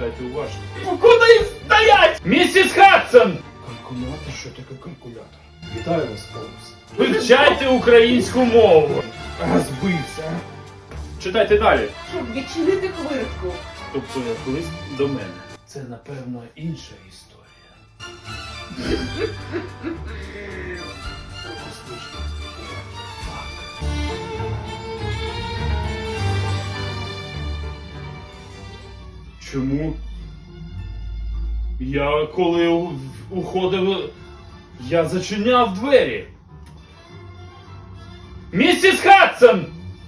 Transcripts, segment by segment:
Читайте уважно. Куди стоять? Місіс Хадсон! Калькулятор? Що таке калькулятор? Вітаю вас, Холмс. Вивчайте українську мову. Збився. Читайте далі. Щоб відчинити хвиртку. Тобто лист до мене. Це, напевно, інша історія. Чому? Я коли уходив, я зачиняв двері. Місіс Хадсон!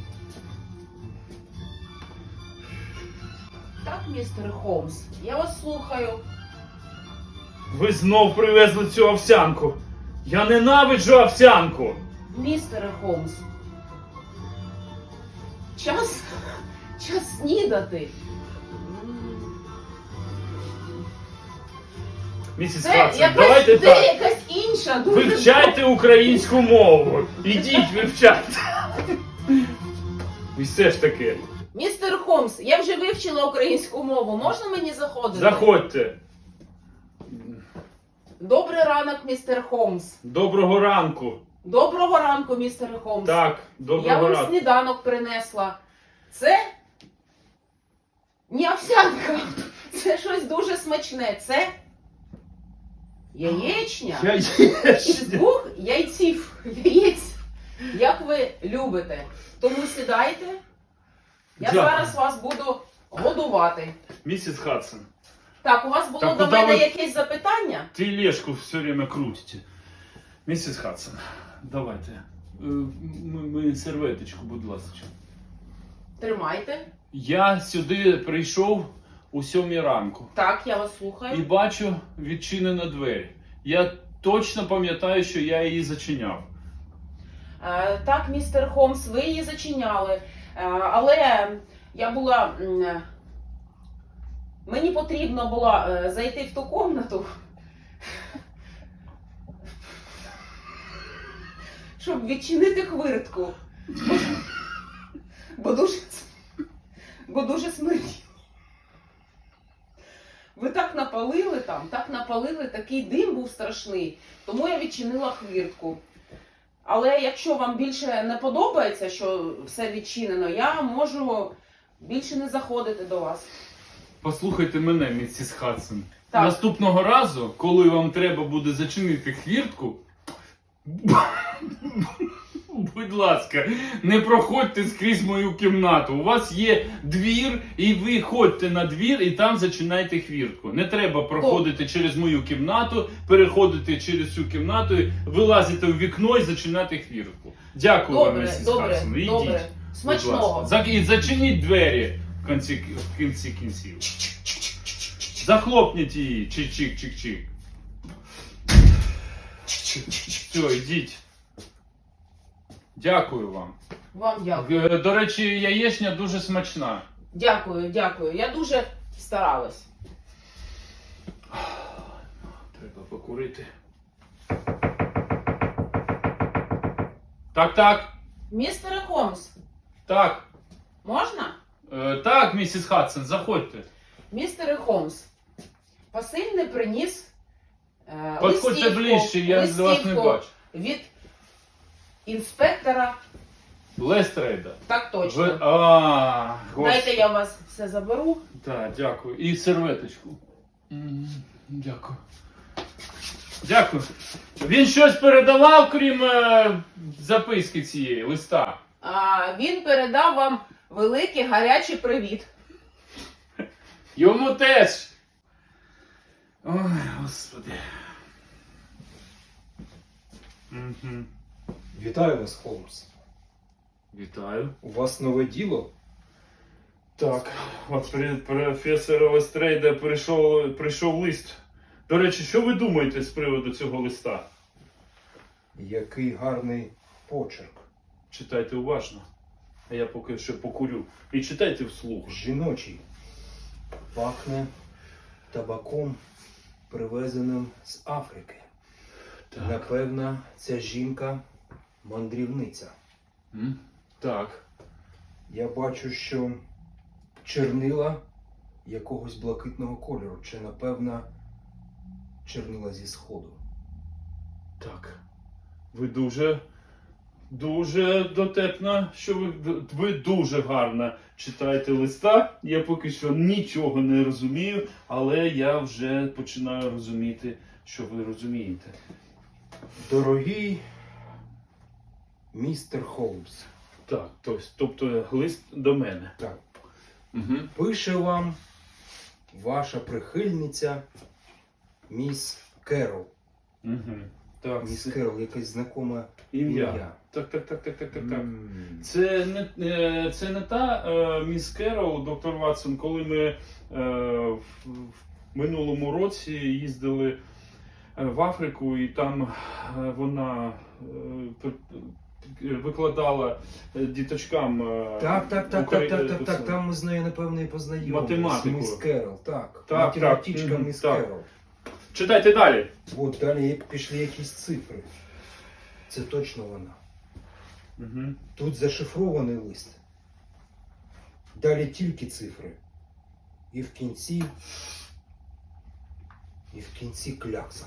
Так, містер Холмс, я вас слухаю. Ви знов привезли цю овсянку. Я ненавиджу овсянку. Містере Холмс. Час снідати. Місіс Це Хадсон, давайте так. якась інша, дуже... Вивчайте українську мову. Ідіть, вивчайте. І все ж таки. Містер Холмс, я вже вивчила українську мову. Можна мені заходити? Заходьте. Добрий ранок, містер Холмс. Доброго ранку. Доброго ранку, містер Холмс. Так, Я доброго вам ранку. сніданок принесла. Це не овсянка. Це щось дуже смачне. Це яєчня. Із 2 яєць. Як ви любите. Тому сідайте. Я Дякую. зараз вас буду годувати. Місіс Хадсон, Так, у вас було Так, до куди мене ви- якесь запитання? тележку все время крутите. Місіс Хадсон, давайте. Ми серветочку, будь ласка. Тримайте. Я сюди прийшов у 7 ранку. Так, я вас слухаю. І бачу відчинені двері. Я точно пам'ятаю, що я її зачиняв. Так, містер Холмс, ви її зачиняли. Але я була... Мені потрібно було зайти в ту кімнату, щоб відчинити хвиртку. Бо дуже смерділо. Ви так напалили там, такий дим був страшний, тому я відчинила хвіртку. Але якщо вам більше не подобається, що все відчинено, я можу більше не заходити до вас. Послухайте мене, місіс Хадсон. Так. Наступного разу, коли вам треба буде зачинити хвіртку, будь ласка, не проходьте скрізь мою кімнату. У вас є двір, і ви ходьте на двір, і там зачинайте хвіртку. Не треба проходити через мою кімнату, переходити через цю кімнату, вилазити у вікно і зачинати хвіртку. Дякую вам, Добре, місіс добре, Хадсон. Ідіть, добре. будь Смачного. ласка. І зачиніть двері в кінці кінців. Захлопніть її. Чик-чик-чик-чик. Все, йдіть. Дякую вам. Вам дякую. До речі, яєчня дуже смачна. Дякую. Я дуже старалась. Треба покурити. Так. Містере Холмс, Так. можна? Так, місіс Хадсон, заходьте. Містере Холмс, посильний приніс Підходьте ближче, я вас не листівку бачу. від інспектора. Лестрейда. Так точно. Дайте я у вас все заберу. Так, дякую. І серветочку. Дякую. Дякую. Він щось передавав, крім записки цієї, листа? Він передав вам великий гарячий привіт. Йому теж. Ой, Господи. Вітаю вас, Холмс. Вітаю. У вас нове діло? Так, от професора Лестрейда прийшов лист. До речі, що ви думаєте з приводу цього листа? Який гарний почерк. Читайте уважно, а я поки що покурю. І читайте вслух. Жіночий. Пахне табаком, привезеним з Африки. Так. Напевно, ця жінка мандрівниця. Так. Я бачу, що чернила якогось блакитного кольору, чи, напевно, чернила зі сходу. Так. Ви дуже дотепна, що ви дуже гарно читаєте листа. Я поки що нічого не розумію, але я вже починаю розуміти, що ви розумієте. Дорогий містер Холмс, Так, тобто лист до мене. так, Угу. пише вам ваша прихильниця міс Керол. Угу. Так, Міс Керол, якесь знакоме ім'я. Так. М. Це не та міс Керол, доктор Ватсон, коли ми в минулому році їздили в Африку, і там вона викладала діточкам Так, там ми з нею, напевно, і познайомилися. Математику. Міс Керол, так. Так, Математичка так, міс так. Керол. Читайте далі. От далі як пішли якісь цифри. Це точно вона. Угу. Тут зашифрований лист. Далі тільки цифри. І в кінці клякса.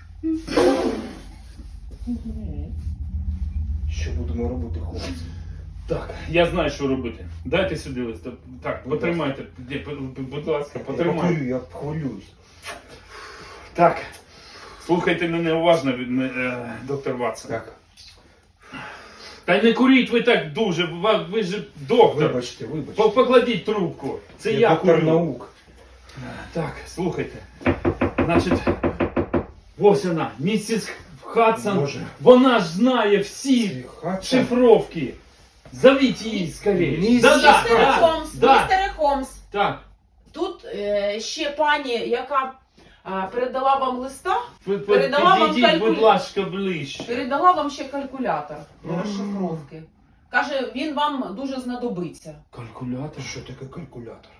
Що будемо робити, хлопці? Так, я знаю, що робити. Дайте сюди лист. Так, Будь потримайте. Будь ласка, потримайте. Я хвилююсь. Так, слухайте мене уважно, доктор Ватсон. Так, Та й не куріть ви так дуже, ви ж доктор. вибачте. Покладіть трубку. Це я доктор курю. наук. Так, слухайте. Значить, ось вона, місіс Хадсон. Боже. Вона ж знає всі Хатса. шифровки. Зовіть її скоріше. Місіс Містере Холмс, да. містере Холмс, Так, тут ще пані, яка передала вам листа, підійдіть, Передала вам будь ласка, ближче. передала вам ще калькулятор для розшифровки. Каже, він вам дуже знадобиться. Калькулятор? Що таке калькулятор?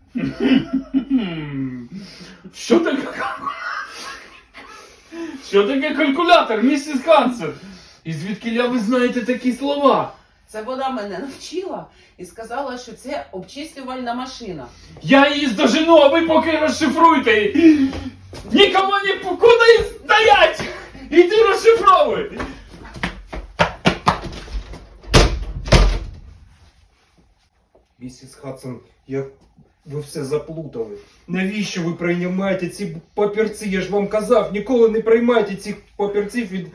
Що таке калькулятор? Що таке калькулятор, місіс Хадсон? І звідки ви знаєте такі слова? Це вона мене навчила і сказала, що це обчислювальна машина. Я її здожену, а ви поки розшифруйте її. Нікому куди стоять! Іди розшифровуй! Місіс Хадсон, ви все заплутали. Навіщо ви приймаєте ці папірці? Я ж вам казав, ніколи не приймайте цих папірців від...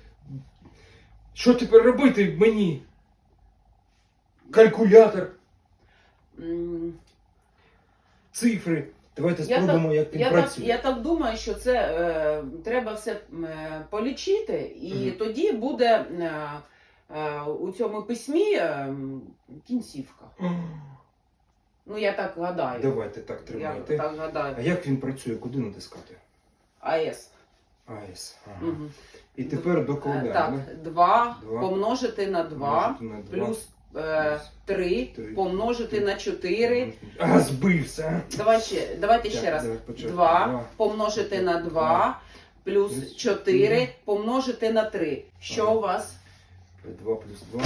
Що тепер робити мені? Калькулятор, М, цифри. Давайте Я спробуємо, як він працює. Я так думаю, що це треба все полічити, і Мгм. тоді буде у цьому письмі кінцівка. Ну, я так гадаю. Давайте так Я тримайте. так гадаю. А як він працює? Куди натискати? АЕС. АЕС. Ага. Угу. І тепер докладаємо. Так, 2 Два. помножити на 2 Помножити на два. плюс 3 Три. помножити на 4. А, збився. Давайте ще раз. давай почати. 2 помножити на 2 плюс Плюс 4 помножити на 3. Що Ага. у вас? 2 плюс 2.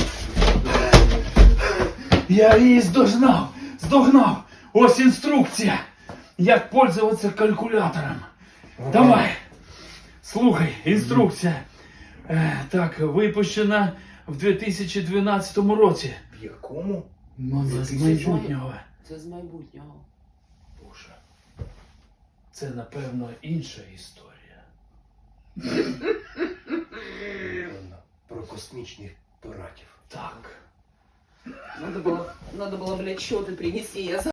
Я її здогнав. Ось інструкція, як пользуватися калькулятором. Давай, слухай, інструкція. Так, випущена в 2012 році. В якому? Ну, з майбутнього. Це з майбутнього. Боже. Це, напевно, інша історія. Про космічних пиратів. Так. Надо было, блядь, счеты принести. Я